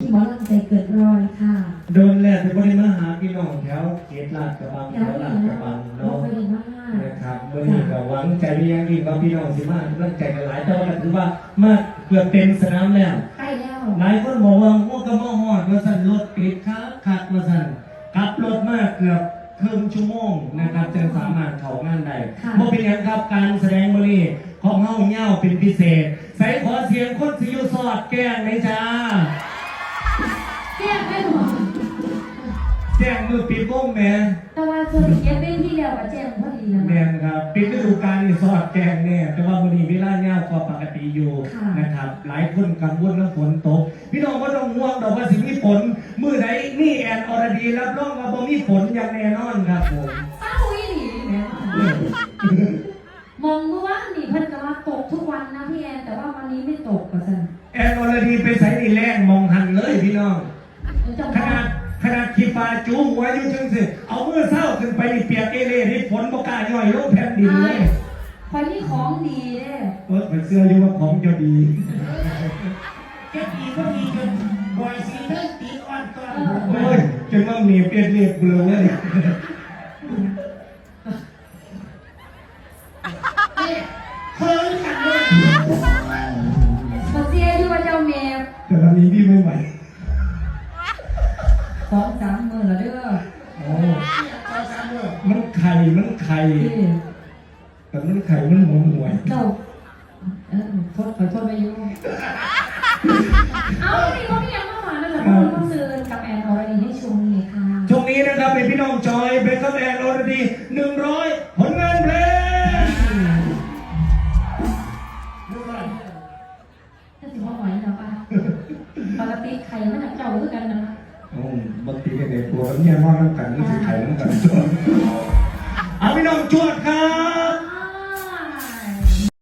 หมอลำใจเกิดรอยค่ะโดนแรกเป็นคนที่มาหาพี่น้องแถวเขตลาดกระบังแถวลาดกระบังเนาะนะครับเมื่อนี้ก็หวังใจเรียงที่ว่าพี่น้องสิมาเรื่องใจกันหลายแต่ว่าถือว่ามาเกือบเต็มสนามแล้วใกล้แล้วหลายคนบอกว่าพวกกระบอกหอดมาสั่นรถติดขัดมาสั่นขับรถมาเกือบครึ่งชั่วโมงนะครับจึงสามารถเข้างานได้เมื่อเป็นอย่างครับการแสดงมื้อนี้ของเฮาเง่าเป็นพิเศษใส่ขอเสียงคนสิอยู่สอดแก้งเลยจ้าแก้ไม่หรอแจ้งมือปิดวงแม่แต่ว่าส่วนเก็บเป็นที่เดียวกับแจ้งพอดีนะแม่ครับปิดฤดูกาลนี่สอดแก้งเนี่ยแต่ว่ามื้อนี้เวลาเง่ากว่าปกติอยู่นะครับหลายคนกังวลเรื่องฝนตกพี่น้องก็ต้องห่วงดอกว่าสิมีฝนมื้อใดนี่แอนอรดีรับรองว่าบ่มีฝนอย่างแน่นอนครับผมเศร้าอีหลีแม่มองเมื่อวานนี่เพิ่นก็ว่าตกทุกวันนะพี่แอนแต่ว่าวันนี้ไม่ตกว่าซั่นแอนอรดีไปใส่นี่แรงมองหันเลยพี่น้องขนาดขีฟ้าจูงหัวอยู่จังสิเอามือเศร้าขึ้นไปนี่เปียกเอเล่นี่ฝนบ่กล้าย่อยลงแผ่นดินเลยคอยนี่ของดีเด้ไปเสื้ออยู่ว่าของจะดีจะดีก็ดีจนบ่อยสีเลิกตีอ่อนก่อนโอ้ยจนว่ามีเปลี่ยนเรียบเบลอเลยเฮ้ยขันเลยมาเสียที่ว่าเจ้าเมฟแต่ตอนนี้พี่ไม่ไหว 2-3 มื้อแล้วเด้อโอ้มันไข่แต่มันไข่มันหวยเจ้าขอโทษไปอยู่เอาพี่ก็มียังมาหวานนั่นแหละต้องซื้อกับแอนอรดีให้ชมนี่ค่ะช่วงนี้นะครับเป็นพี่น้องจอยเป็นกับแอนอรดี100ผลงานเพลงถ้าถือว่าไหวนะป้าปกติไข่มันเจ้าคือกันนะบางทีก็ในตัวเนี่ยนอนน้ำกันนี่คือไข่น้ำกันเอาพี่น้องจวดครับ